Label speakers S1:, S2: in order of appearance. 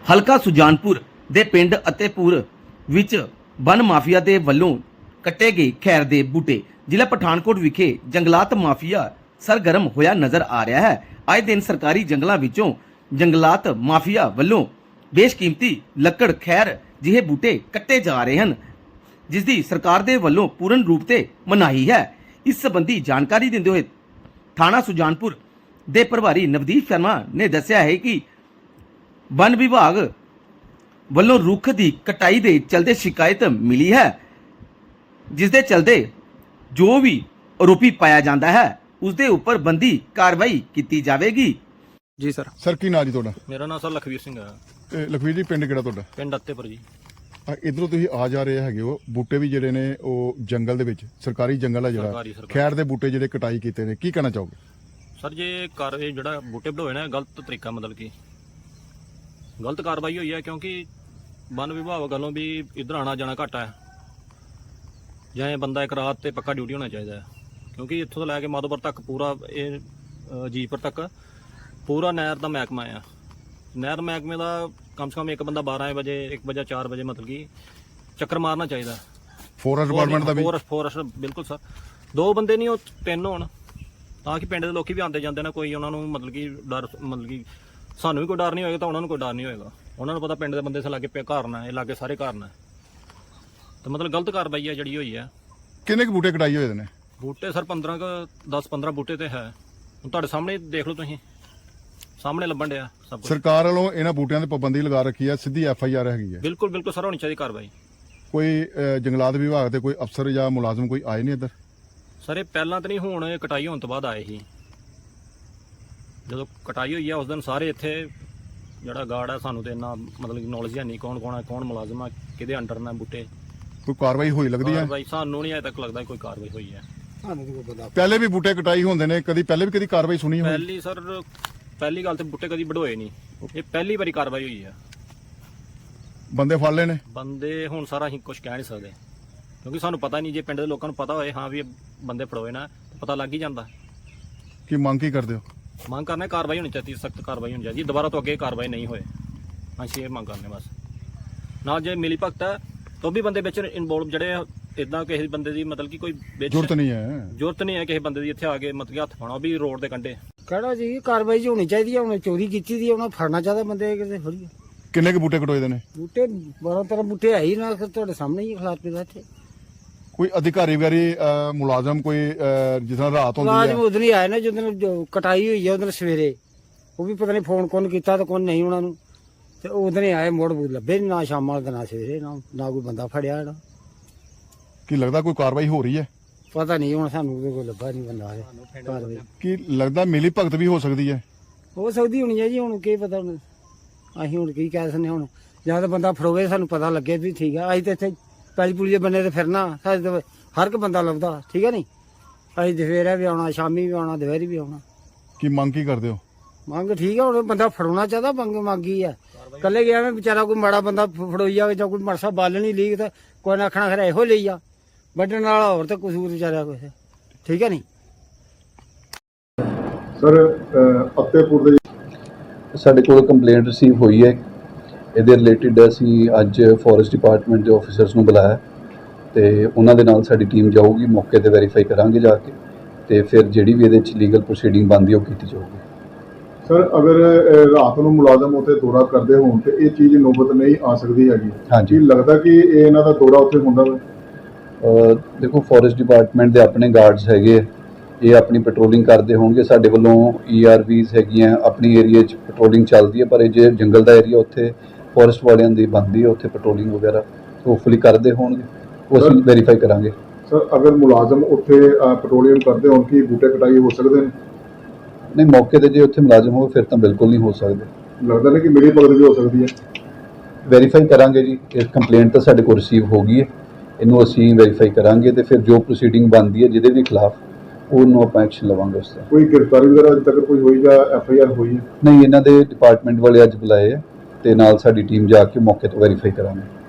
S1: ਹਲਕਾ ਸੁਜਾਨਪੁਰ ਦੇ ਪਿੰਡ ਅਤੇਪੁਰ ਵਿੱਚ ਵਨ ਮਾਫੀਆ ਦੇ ਵੱਲੋਂ ਕੱਟੇ ਗਏ ਖੈਰ ਦੇ ਬੂਟੇ। ਜ਼ਿਲ੍ਹਾ ਪਠਾਨਕੋਟ ਵਿਖੇ ਜੰਗਲਾਤ ਮਾਫੀਆ ਸਰਗਰਮ ਹੋਇਆ ਨਜ਼ਰ ਆ ਰਿਹਾ ਹੈ। ਆਏ ਦਿਨ ਸਰਕਾਰੀ ਜੰਗਲਾਂ ਵਿੱਚੋਂ ਜੰਗਲਾਤ ਮਾਫੀਆ ਵੱਲੋਂ ਬੇਸ਼ਕੀਮਤੀ ਲੱਕੜ ਖੈਰ ਜਿਹੇ ਬੂਟੇ ਕੱਟੇ ਜਾ ਰਹੇ ਹਨ, ਜਿਸ ਦੀ ਸਰਕਾਰ ਦੇ ਵੱਲੋਂ ਪੂਰਨ ਰੂਪ ਤੇ ਮਨਾਹੀ ਹੈ। ਇਸ ਸੰਬੰਧੀ ਜਾਣਕਾਰੀ ਦਿੰਦੇ ਹੋਏ ਥਾਣਾ ਸੁਜਾਨਪੁਰ ਦੇ ਪ੍ਰਭਾਰੀ ਨਵਦੀਪ ਸ਼ਰਮਾ ਨੇ ਦੱਸਿਆ ਹੈ ਕਿ ਵਨ ਵਿਭਾਗ ਵੱਲੋਂ ਰੁੱਖ ਦੀ ਕਟਾਈ ਦੇ ਚਲਦੇ ਸ਼ਿਕਾਇਤ ਮਿਲੀ ਹੈ, ਜਿਸ ਦੇ ਚਲਦੇ ਜੋ ਵੀ ਆਰੋਪੀ ਪਾਇਆ ਜਾਂਦਾ ਹੈ ਉਸ ਦੇ ਉੱਪਰ ਬੰਦੀ ਕਾਰਵਾਈ ਕੀਤੀ ਜਾਵੇਗੀ।
S2: ਜੀ ਸਰ
S3: ਕੀ ਨਾਂ ਜੀ ਤੁਹਾਡਾ?
S2: ਮੇਰਾ ਨਾਮ ਸਰ ਲਖਵੀਰ ਸਿੰਘ ਹੈ।
S3: ਇਹ ਲਖਵੀਰ ਜੀ, ਪਿੰਡ ਕਿਹੜਾ ਤੁਹਾਡਾ?
S2: ਪਿੰਡ ਅੱਤੇਪੁਰ ਜੀ।
S3: ਇਧਰੋਂ ਤੁਸੀਂ ਆ ਜਾ ਰਹੇ ਹੈਗੇ ਹੋ, ਬੂਟੇ ਵੀ ਜਿਹੜੇ ਨੇ ਉਹ ਜੰਗਲ ਦੇ ਵਿੱਚ, ਸਰਕਾਰੀ ਜੰਗਲ ਹੈ ਜਿਹੜਾ,
S2: ਸਰਕਾਰੀ
S3: ਖੈਰ ਦੇ ਬੂਟੇ ਜਿਹੜੇ ਕਟਾਈ ਕੀਤੇ ਨੇ, ਕੀ ਕਹਿਣਾ ਚਾਹੋਗੇ?
S2: ਸਰ ਜੇ ਜਿਹੜਾ ਬੂਟੇ ਵਧੋਏ ਨੇ ਗਲਤ ਤਰੀਕਾ, ਮਤਲਬ ਕਿ ਗਲਤ ਕਾਰਵਾਈ ਹੋਈ ਹੈ, ਕਿਉਂਕਿ ਵਨ ਵਿਭਾਗ ਵੱਲੋਂ ਵੀ ਇੱਧਰ ਆਣਾ ਜਾਣਾ ਘੱਟ ਹੈ, ਜਾਂ ਇਹ ਬੰਦਾ ਇੱਕ ਰਾਤ ਤੇ ਪੱਕਾ ਡਿਊਟੀ ਹੋਣਾ ਚਾਹੀਦਾ ਹੈ, ਕਿਉਂਕਿ ਇੱਥੋਂ ਤੋਂ ਲੈ ਕੇ ਮਾਧੋਪੁਰ ਤੱਕ ਪੂਰਾ ਇਹ ਜੀਪੁਰ ਤੱਕ ਪੂਰਾ ਨਹਿਰ ਦਾ ਮਹਿਕਮਾ ਆ। ਨਹਿਰ ਮਹਿਕਮੇ ਦਾ ਕਮ ਸੇ ਕਮ ਇੱਕ ਬੰਦਾ 12 ਵਜੇ 1 ਵਜੇ 4 ਵਜੇ ਮਤਲਬ ਕਿ ਚੱਕਰ ਮਾਰਨਾ ਚਾਹੀਦਾ।
S3: ਫੋਰੈਸਟ ਡਿਪਾਰਟਮੈਂਟ ਦਾ ਵੀ?
S2: ਫੋਰੈਸਟ ਬਿਲਕੁਲ ਸਰ, 2 ਬੰਦੇ ਨਹੀਂ ਉਹ 3 ਹੋਣ, ਤਾਂ ਕਿ ਪਿੰਡ ਦੇ ਲੋਕੀ ਵੀ ਆਉਂਦੇ ਜਾਂਦੇ ਨੇ, ਕੋਈ ਉਹਨਾਂ ਨੂੰ ਮਤਲਬ ਕਿ ਡਰ, ਮਤਲਬ ਕਿ ਸਾਨੂੰ ਵੀ ਕੋਈ ਡਰ ਨਹੀਂ ਹੋਏਗਾ ਤਾਂ ਉਹਨਾਂ ਨੂੰ ਕੋਈ ਡਰ ਨਹੀਂ ਹੋਏਗਾ। ਉਹਨਾਂ ਨੂੰ ਪਤਾ ਪਿੰਡ ਦੇ ਬੰਦੇ ਸੇ ਲਾਗੇ ਘਰ ਨਾ, ਇਹ ਲਾਗੇ ਸਾਰੇ ਘਰ ਨਾ, ਤਾਂ ਮਤਲਬ ਗਲਤ ਕਾਰਵਾਈ ਹੈ ਜਿਹੜੀ ਹੋਈ ਹੈ।
S3: ਕਿੰਨੇ ਕੁ ਬੂਟੇ ਕਟਾਈ ਹੋਏ ਨੇ?
S2: ਬੂਟੇ ਸਰ 10-15 ਬੂਟੇ ਤੇ ਹੈ, ਹੁਣ ਤੁਹਾਡੇ ਸਾਹਮਣੇ ਦੇਖ ਲਓ, ਤੁਸੀਂ ਸਾਹਮਣੇ ਲੱਭਣ ਡਿਆ ਸਭ ਕੁਝ।
S3: ਸਰਕਾਰ ਵੱਲੋਂ ਇਹਨਾਂ ਬੂਟਿਆਂ ਤੇ ਪਾਬੰਦੀ ਲਗਾ ਰੱਖੀ ਹੈ, ਸਿੱਧੀ FIR ਹੈਗੀ ਹੈ?
S2: ਬਿਲਕੁਲ ਬਿਲਕੁਲ ਸਰ, ਹੋਣੀ ਚਾਹੀਦੀ ਕਾਰਵਾਈ।
S3: ਕੋਈ ਜੰਗਲਾਤ ਵਿਭਾਗ ਦੇ ਕੋਈ ਅਫਸਰ ਜਾਂ ਮੁਲਾਜ਼ਮ ਕੋਈ ਆਏ ਨਹੀਂ ਇੱਧਰ?
S2: ਸਰ ਇਹ ਪਹਿਲਾਂ ਤਾਂ ਨਹੀਂ, ਹੁਣ ਇਹ ਕਟਾਈ ਹੋਣ ਤੋਂ ਬਾਅਦ ਆਏ ਸੀ। ਜਦੋਂ ਕਟਾਈ ਹੋਈ ਆ ਉਸ ਦਿਨ ਸਾਰੇ ਇੱਥੇ ਜਿਹੜਾ ਗਾਰਡ ਹੈ, ਸਾਨੂੰ ਤੇ ਇੰਨਾ ਮਤਲਬ ਕਿ ਨੌਲੇਜ ਹੈ ਨਹੀਂ ਕੌਣ ਕੌਣ ਹੈ, ਕੌਣ ਮੁਲਾਜ਼ਮ ਆ, ਕਿਹਦੇ ਅੰਡਰ ਨੇ ਬੂਟੇ।
S3: ਕੋਈ ਕਾਰਵਾਈ ਹੋਈ ਲੱਗਦੀ ਹੈ?
S2: ਕਾਰਵਾਈ ਸਾਨੂੰ ਨਹੀਂ ਅਜੇ ਤੱਕ ਲੱਗਦਾ ਕੋਈ ਕਾਰਵਾਈ ਹੋਈ ਹੈ।
S3: ਪਹਿਲੇ ਵੀ ਬੂਟੇ ਕਟਾਈ ਹੁੰਦੇ ਨੇ, ਪਹਿਲੇ ਵੀ ਕਦੀ ਕਾਰਵਾਈ ਸੁਣੀ ਹੋਈ?
S2: ਪਹਿਲੀ ਸਰ, ਪਹਿਲੀ ਗੱਲ ਤੇ ਬੂਟੇ ਕਦੀ ਵਢੋਏ ਨਹੀਂ, ਇਹ ਪਹਿਲੀ ਵਾਰੀ ਕਾਰਵਾਈ ਹੋਈ ਹੈ।
S3: ਬੰਦੇ ਫੜ ਲਏ ਨੇ?
S2: ਬੰਦੇ ਹੁਣ ਸਾਰਾ ਅਸੀਂ ਕੁਝ ਕਹਿ ਨਹੀਂ ਸਕਦੇ, ਕਿਉਂਕਿ ਸਾਨੂੰ ਪਤਾ ਨਹੀਂ। ਜੇ ਪਿੰਡ ਦੇ ਲੋਕਾਂ ਨੂੰ ਪਤਾ ਹੋਏ ਹਾਂ ਵੀ ਇਹ ਬੰਦੇ ਫੜੋਏ ਨਾ, ਪਤਾ ਲੱਗ ਹੀ ਜਾਂਦਾ।
S3: ਕੀ ਮੰਗ ਕੀ ਕਰਦੇ ਹੋ?
S2: ਮੰਗ ਕਰਨਾ ਕਾਰਵਾਈ ਹੋਣੀ ਚਾਹੀਦੀ, ਸਖਤ ਕਾਰਵਾਈ ਹੋਣੀ ਚਾਹੀਦੀ, ਦੁਬਾਰਾ ਤੋਂ ਅੱਗੇ ਕਾਰਵਾਈ ਨਹੀਂ ਹੋਏ, ਅਸੀਂ ਇਹ ਮੰਗ ਕਰਨੇ ਬਸ। ਨਾਲ ਜੇ ਮਿਲੀ ਭਗਤ ਹੈ ਤਾਂ ਵੀ ਬੰਦੇ ਵਿੱਚ ਇਨਵੋਲਵ, ਜਿਹੜੇ ਇਦਾਂ ਕਿਸੇ ਬੰਦੇ ਦੀ ਮਤਲਬ ਕਿ ਕੋਈ
S3: ਜ਼ਰੂਰਤ ਨਹੀਂ ਹੈ
S2: ਕਿਸੇ ਬੰਦੇ ਦੀ ਇੱਥੇ ਆ ਕੇ ਮਤਲਬ ਕਿ ਹੱਥ ਪਾਉਣਾ, ਵੀ ਰੋਡ ਦੇ ਕੰਢੇ
S4: ਕਿਹੜਾ ਜੀ ਕਾਰਵਾਈ ਹੋਣੀ ਚਾਹੀਦੀ ਹੈ। ਉਹਨੇ ਚੋਰੀ ਕੀਤੀ ਦੀ, ਉਹਨੂੰ ਫੜਨਾ ਚਾਹੀਦਾ ਬੰਦੇ ਕਿਤੇ ਥੋੜੀ।
S3: ਕਿੰਨੇ ਕੁ ਬੂਟੇ ਕਟੋਏ ਦੇ ਨੇ?
S4: ਬੂਟੇ 12-13 ਬੂਟੇ ਹੈ ਹੀ ਨਾ, ਤੁਹਾਡੇ ਸਾਹਮਣੇ ਹੀ ਖਲਾਰ ਪਿਆ ਇੱਥੇ।
S3: ਕੋਈ ਅਧਿਕਾਰੀ ਵਗੈਰੀ ਮੁਲਾਜ਼ਮ ਕੋਈ ਜਿਸ ਤਰ੍ਹਾਂ ਰਾਤ ਹੁੰਦੀ
S4: ਮੁਲਾਜ਼ਮ
S3: ਹੈ?
S4: ਉਦੋਂ ਹੀ ਆਏ ਨੇ ਜਦੋਂ ਕਟਾਈ ਹੋਈ ਹੈ, ਉਦੋਂ ਸਵੇਰੇ। ਉਹ ਵੀ ਪਤਾ ਨਹੀਂ ਫੋਨ ਕੌਣ ਕੀਤਾ ਤੇ ਕੌਣ ਨਹੀਂ ਉਹਨਾਂ ਨੂੰ, ਤੇ ਉਦੋਂ ਹੀ ਆਏ, ਮੋੜ ਬੂੜ ਲੱਭੇ ਨੀ, ਨਾ ਸ਼ਾਮਾਂ ਵਾਲੇ ਨਾ ਸਵੇਰੇ, ਨਾ ਕੋਈ ਬੰਦਾ ਫੜਿਆ ਜਿਹੜਾ।
S3: ਕੀ ਲੱਗਦਾ ਕੋਈ ਕਾਰਵਾਈ ਹੋ ਰਹੀ ਹੈ?
S4: ਪਤਾ ਨਹੀਂ, ਹੁਣ ਸਾਨੂੰ ਕੋਈ ਲੱਭਾ ਨਹੀਂ ਬੰਦਾ ਕਾਰਵਾਈ।
S3: ਕੀ ਲੱਗਦਾ ਮਿਲੀ ਭਗਤ ਵੀ ਹੋ ਸਕਦੀ ਹੈ?
S4: ਹੋ ਸਕਦੀ ਹੋਣੀ ਹੈ ਜੀ, ਹੁਣ ਕੀ ਪਤਾ, ਹੁਣ ਅਸੀਂ ਹੁਣ ਕੀ ਕਹਿ ਸਕਦੇ ਹੁਣ। ਜਾਂ ਤਾਂ ਬੰਦਾ ਫੜੋਵੇ, ਸਾਨੂੰ ਪਤਾ ਲੱਗੇ ਵੀ ਠੀਕ ਆ। ਅਸੀਂ ਤਾਂ ਇੱਥੇ ਪੈਲੀ ਪੁਲੀ ਦੇ ਬੰਦੇ ਤੇ ਫਿਰਨਾ, ਸਾਡੇ ਤਾਂ ਹਰ ਇੱਕ ਬੰਦਾ ਲੱਭਦਾ, ਠੀਕ ਹੈ ਨਹੀਂ। ਅਸੀਂ ਦੁਪਹਿਰੇ ਵੀ ਆਉਣਾ, ਸ਼ਾਮੀ ਵੀ ਆਉਣਾ, ਦੁਪਹਿਰੀ ਵੀ ਆਉਣਾ।
S3: ਕੀ ਮੰਗ ਕੀ ਕਰਦੇ ਹੋ?
S4: ਮੰਗ ਠੀਕ ਆ, ਹੁਣ ਬੰਦਾ ਫੜਾਉਣਾ ਚਾਹਦਾ, ਮੰਗੀ ਆ। ਕੱਲੇ ਗਿਆ ਮੈਂ ਵਿਚਾਰਾ, ਕੋਈ ਮਾੜਾ ਬੰਦਾ ਫੜੋਈ ਜਾਵੇ ਜਾਂ ਕੋਈ ਮਰਸਾ ਬਾਲਣੀ ਲੀਕ, ਤਾਂ ਕੋਈ ਨਾ ਆਖਣਾ ਖਰਾ ਇਹੋ ਲਈ ਆ, ਵੱਢਣ ਵਾਲਾ ਹੋਰ ਤਾਂ ਕਸੂਰ ਵਿਚਾਰਿਆ ਕੁਛ, ਠੀਕ ਹੈ ਨਹੀਂ।
S3: ਸਰ ਅਤੇਪੁਰ ਦੇ
S5: ਸਾਡੇ ਕੋਲ ਕੰਪਲੇਂਟ ਰਿਸੀਵ ਹੋਈ ਹੈ, ਇਹਦੇ ਰਿਲੇਟਿਡ ਅਸੀਂ ਅੱਜ ਫੋਰੈਸਟ ਡਿਪਾਰਟਮੈਂਟ ਦੇ ਆਫੀਸਰਸ ਨੂੰ ਬੁਲਾਇਆ ਤੇ ਉਹਨਾਂ ਦੇ ਨਾਲ ਸਾਡੀ ਟੀਮ ਜਾਊਗੀ, ਮੌਕੇ ਤੇ ਵੈਰੀਫਾਈ ਕਰਾਂਗੇ ਜਾ ਕੇ, ਤੇ ਫਿਰ ਜਿਹੜੀ ਵੀ ਇਹਦੇ ਵਿੱਚ ਲੀਗਲ ਪ੍ਰੋਸੀਡਿੰਗ ਬਣਦੀ ਉਹ ਕੀਤੀ ਜਾਊਗੀ।
S3: ਸਰ ਅਗਰ ਰਾਤ ਨੂੰ ਮੁਲਾਜ਼ਮ ਉੱਥੇ ਦੌਰਾ ਕਰਦੇ ਹੋਣ ਤੇ ਇਹ ਚੀਜ਼ ਨੌਬਤ ਨਹੀਂ ਆ ਸਕਦੀ ਹੈਗੀ?
S5: ਹਾਂਜੀ,
S3: ਲੱਗਦਾ ਕਿ ਇਹ ਇਹਨਾਂ ਦਾ ਦੌਰਾ ਉੱਥੇ ਹੁੰਦਾ ਵਾ?
S5: ਦੇਖੋ ਫੋਰੈਸਟ ਡਿਪਾਰਟਮੈਂਟ ਦੇ ਆਪਣੇ ਗਾਰਡਸ ਹੈਗੇ, ਇਹ ਆਪਣੀ ਪੈਟਰੋਲਿੰਗ ਕਰਦੇ ਹੋਣਗੇ। ਸਾਡੇ ਵੱਲੋਂ ERVs ਹੈਗੀਆਂ, ਆਪਣੀ ਏਰੀਆ 'ਚ ਪੈਟਰੋਲਿੰਗ ਚੱਲਦੀ ਹੈ, ਪਰ ਇਹ ਜੇ ਜੰਗਲ ਦਾ ਏਰੀਆ ਉੱਥੇ ਫੋਰੈਸਟ ਵਾਲਿਆਂ ਦੀ ਬਣਦੀ ਹੈ, ਉੱਥੇ ਪੈਟਰੋਲਿੰਗ ਵਗੈਰਾ ਹੋਪਫੁਲੀ ਕਰਦੇ ਹੋਣਗੇ, ਉਹ ਅਸੀਂ ਵੈਰੀਫਾਈ ਕਰਾਂਗੇ।
S3: ਸਰ ਅਗਰ ਮੁਲਾਜ਼ਮ ਉੱਥੇ ਪੈਟਰੋਲਿੰਗ ਕਰਦੇ ਹੋਣ, ਕੀ ਬੂਟੇ ਕਟਾਈ ਹੋ ਸਕਦੇ ਨੇ?
S5: ਨਹੀਂ, ਮੌਕੇ ਤੇ ਜੇ ਉੱਥੇ ਮੁਲਾਜ਼ਮ ਹੋਵੇ ਫਿਰ ਤਾਂ ਬਿਲਕੁਲ ਨਹੀਂ ਹੋ ਸਕਦੇ।
S3: ਲੱਗਦਾ ਨਹੀਂ ਕਿ ਮਿਲੀ ਭਗਤ ਵੀ ਹੋ ਸਕਦੀ ਹੈ?
S5: ਵੈਰੀਫਾਈ ਕਰਾਂਗੇ ਜੀ, ਇਹ ਕੰਪਲੇਂਟ ਤਾਂ ਸਾਡੇ ਕੋਲ ਰਿਸੀਵ ਹੋ ਗਈ ਹੈ, ਇਹਨੂੰ ਅਸੀਂ ਵੈਰੀਫਾਈ ਕਰਾਂਗੇ ਤੇ ਫਿਰ ਜੋ ਪ੍ਰੋਸੀਡਿੰਗ ਬਣਦੀ ਹੈ ਜਿਹਦੇ ਵੀ ਖਿਲਾਫ ਉਹਨੂੰ ਆਪਾਂ ਐਕਸ਼ਨ ਲਵਾਂਗੇ। ਉਸ ਦਾ
S3: ਕੋਈ ਗ੍ਰਿਫਤਾਰੀ ਵਗੈਰਾ ਅਜੇ ਤੱਕ ਕੋਈ ਹੋਈ ਜਾਂ FIR ਹੋਈ ਹੈ?
S5: ਨਹੀਂ, ਇਹਨਾਂ ਦੇ ਡਿਪਾਰਟਮੈਂਟ ਵਾਲੇ ਅੱਜ ਬੁਲਾਏ ਆ ਤੇ ਨਾਲ ਸਾਡੀ ਟੀਮ ਜਾ ਕੇ ਮੌਕੇ ਤੋਂ ਵੈਰੀਫਾਈ ਕਰਾਂਗੇ।